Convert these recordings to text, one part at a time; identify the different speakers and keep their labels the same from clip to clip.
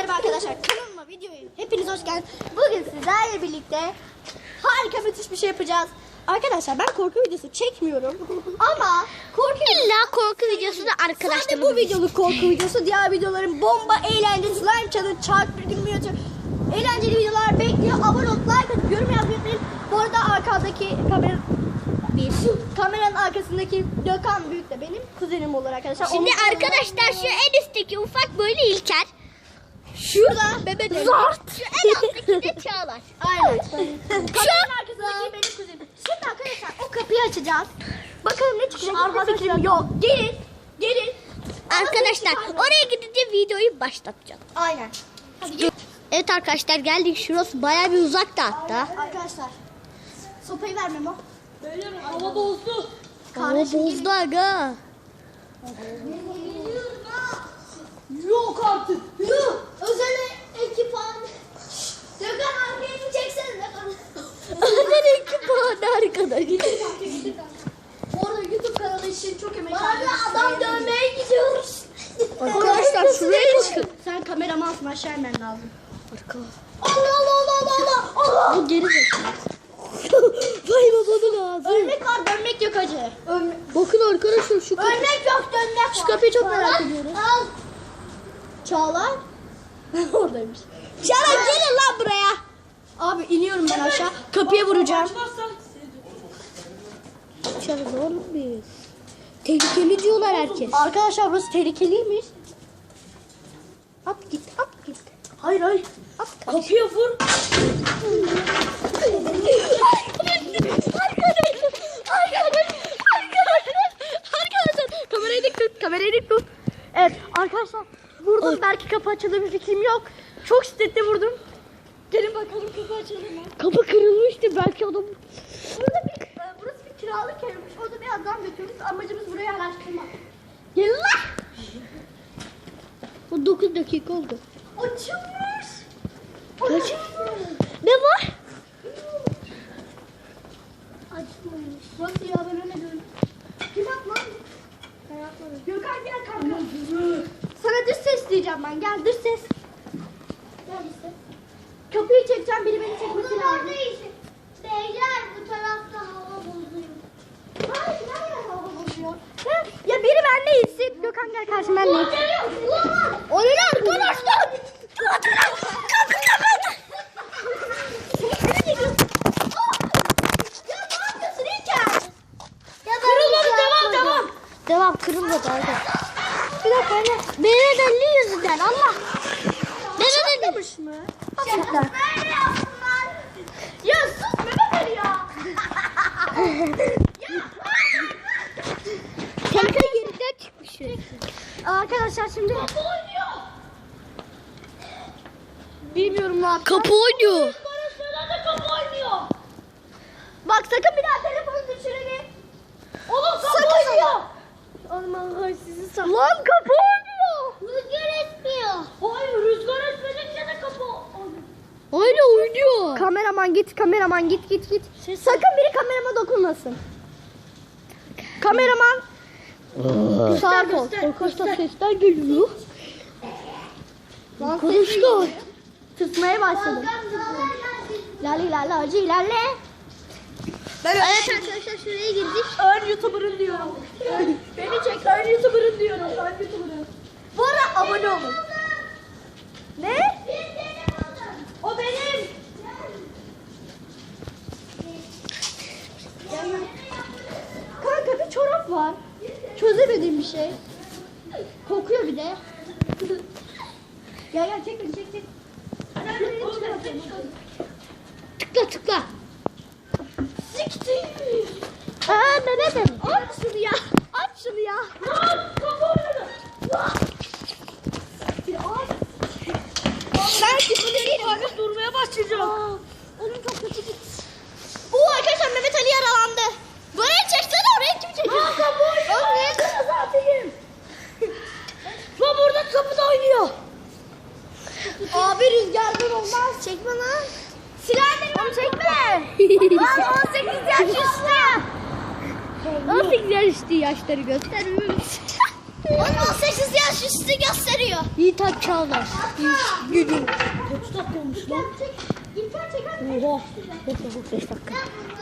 Speaker 1: merhaba arkadaşlar. Kanalıma videoya hepiniz hoş geldiniz. Bugün sizlerle birlikte harika müthiş bir şey yapacağız. Arkadaşlar ben korku videosu çekmiyorum. Ama
Speaker 2: korku videosu da arkadaşlarımız.
Speaker 1: sadece bu videoluk korku videosu. Diğer videoların bomba, eğlenceli, slime challenge, çarp bir gün müyatı. Eğlenceli videolar bekliyor. Abone olup like atıp yorum yazmayı unutmayın. Bu arada arkadaki kameranın arkasındaki Gökhan Büyük de benim kuzenim olur arkadaşlar.
Speaker 2: Şimdi
Speaker 1: Onun
Speaker 2: arkadaşlar şu en üstteki ufak böyle İlker.
Speaker 1: şurada bebek
Speaker 2: Zart. Şu en alttaki de Çağlar.
Speaker 1: Aynen. Kameranın arkasındaki benim kuzenim. Şimdi arkadaşlar o kapıyı açacağız. Bakalım ne çıkacak. Hiçbir fikrim yok. Gelin.
Speaker 2: Arkadaşlar oraya gidince videoyu başlatacağım.
Speaker 1: Aynen.
Speaker 2: Evet arkadaşlar geldik. Şurası bayağı bir uzakta hatta.
Speaker 1: Arkadaşlar. Sopayı ver Memo.
Speaker 3: Hava bozdu.
Speaker 2: Hava bozdu aga.
Speaker 3: Yok artık.
Speaker 1: Özel ekipman. Gökhan arkaya mı çeksene?
Speaker 2: Özel ekipman arkadaşlar.
Speaker 1: Orada YouTube kanalı için çok emek harcadık. Adam dövmeye gidiyoruz.
Speaker 2: Arkadaşlar şuraya bakın.
Speaker 1: Sen kameramansın, aşağı inmen lazım.
Speaker 2: Allah.
Speaker 1: Allah.
Speaker 2: Bu geri zekalı. Vay babanın ağzı.
Speaker 1: Ölmek var, dönmek yok hacı.
Speaker 2: Bakın arkadaşlar şu kapı.
Speaker 1: Ölmek yok, dönmek var.
Speaker 2: Şu kapıyı çok merak ediyoruz.
Speaker 1: Al. Çağlar. Oradaymış.
Speaker 2: Çağlar gelin lan buraya.
Speaker 1: Abi iniyorum ben aşağı. Kapıya vuracağım.
Speaker 2: Çağlar oğlum biz. Tehlikeli diyorlar herkes.
Speaker 1: Arkadaşlar burası tehlikeliymiş.
Speaker 2: At git.
Speaker 1: Hayır.
Speaker 2: At.
Speaker 3: Kapıya vur.
Speaker 2: Arkadaşlar kamerayı dik tut.
Speaker 1: Evet arkadaşlar vurdum. Belki kapı açılır bir fikrim yok. Çok şiddetli vurdum. Gelin bakalım kapı açılır mı?
Speaker 2: Kapı kırılmıştı belki adam.
Speaker 1: Burası bir kiralık evmiş. Orada bir adam götürdük. Amacımız burayı araştırmak. Gelin lan.
Speaker 2: O 9 dakika oldu.
Speaker 1: Açılmış.
Speaker 2: Kaç? Ne var?
Speaker 1: Açılmış. Nasıl ya, ben öyle diyorum. Kim at lan? Ben atmadım. Gökhan gel kanka. Sana dış ses diyeceğim ben. Gel dış ses. Gel dış ses. Kapıyı çekeceğim. Biri beni çekmesi lazım.
Speaker 2: Beyler bu tarafta hava bozuyor.
Speaker 1: Hayır, nereden hava bozuyor? Ya biri benle insin. Gökhan gel karşıma benle insin.
Speaker 2: O ne arkadaşlar? Devam kırılmadı arada.
Speaker 1: Bir dakika anne.
Speaker 2: Mehmet Ali yüzünden Allah. Mehmet Ali.
Speaker 1: mı? Gerçekten. Ya sus Mehmet Ali ya.
Speaker 2: Kanka yerinden çıkmış.
Speaker 1: Arkadaşlar şimdi. Kapı oynuyor. Bilmiyorum ne yapacağız.
Speaker 2: Kapı oynuyor.
Speaker 3: Kapı oynuyor.
Speaker 1: Bak sakın bir daha telefonu düşürelim.
Speaker 3: Oğlum kapı oynuyor.
Speaker 1: Oğlum Allah sizi sağ.
Speaker 2: Lan kapı oynuyor.
Speaker 1: Rüzgar etmiyor.
Speaker 3: Hayır, rüzgar esmedikçe de kapı oynuyor.
Speaker 2: Hala oynuyor.
Speaker 1: Kameraman git. Sakın biri kamerama dokunmasın. Kameraman. Sağ ol.
Speaker 2: Arkadaşlar sesler geliyor. Arkadaşlar.
Speaker 1: Tırsmaya başladım. Lale hacı ilerle.
Speaker 2: Evet arkadaşlar şuraya girdik.
Speaker 1: Ön YouTuber'ın diyorum. Beni çek, ön YouTuber'ın diyorum. Ön YouTuber'ın. Bu arada abone olun. Ne? O benim. Kanka bir çorap var. Çözemediğim bir şey. Kokuyor bir de. Gel çek beni çek.
Speaker 2: Tıkla.
Speaker 1: Siktir.
Speaker 2: Mehmet Ali.
Speaker 1: Aç şunu ya.
Speaker 3: Kapı oynadı.
Speaker 1: Ben şimdi
Speaker 3: Abi durmaya başlayacağım.
Speaker 1: onun çok kötü git. Arkadaşlar Mehmet Ali yaralandı. Buraya çeksene, oraya kim çekiyor? Kapı oynuyor. Oğlum niye kırmızı atayım?
Speaker 3: Lan burada kapıda oynuyor.
Speaker 1: Abi rüzgardan olmaz. Çekme lan. Silah onu çekme. Lan 18 yaş üstü.
Speaker 2: 18 yaş üstü yaşları göstermiş. Onun 18 yaş üstü gösteriyor. Yiğit Çağlar. Gücü.
Speaker 3: Kaç dakika olmuş lan?
Speaker 1: İlker çeker.
Speaker 3: Oha.
Speaker 2: 5 dakika.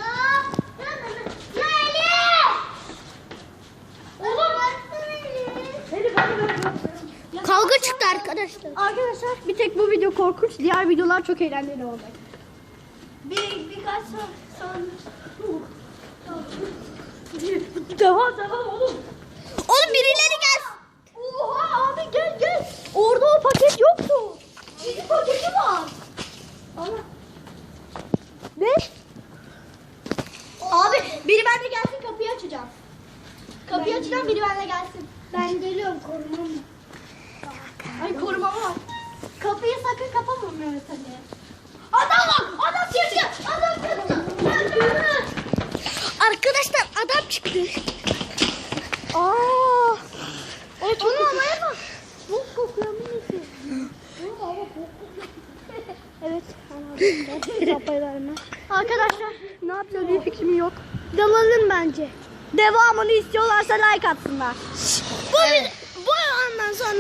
Speaker 2: Kavga çıktı arkadaşlar.
Speaker 1: Arkadaşlar bir tek bu video korkunç. Diğer videolar çok eğlenceli olacak. Birkaç sonra.
Speaker 3: Devam oğlum.
Speaker 2: Oğlum birileri gelsin.
Speaker 1: Oha abi gel. Orada o paket yoktu. Çizgi paketi var. Allah. Ne? Abi biri bende gelsin kapıyı açacağım. Kapıyı açacağım biri bende gelsin. Ben geliyorum korumam. Ay korumam var. Kapıyı sakın kapama Mehmet Ali. Adam var. Adam çıktı.
Speaker 2: Arkadaşlar adam çıktı.
Speaker 1: Aa. Onu havaya bak. Bu kokuyor mu neyse? Evet. Arkadaşlar ne yapacağız bir fikrim yok. Dalalım bence. Devamını istiyorlarsa like atsınlar.
Speaker 2: Bu ondan sonra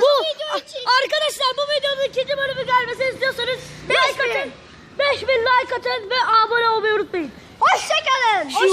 Speaker 3: Arkadaşlar bu videonun ikinci bölümü gelmesini istiyorsanız like atın. 5000 like atın ve abone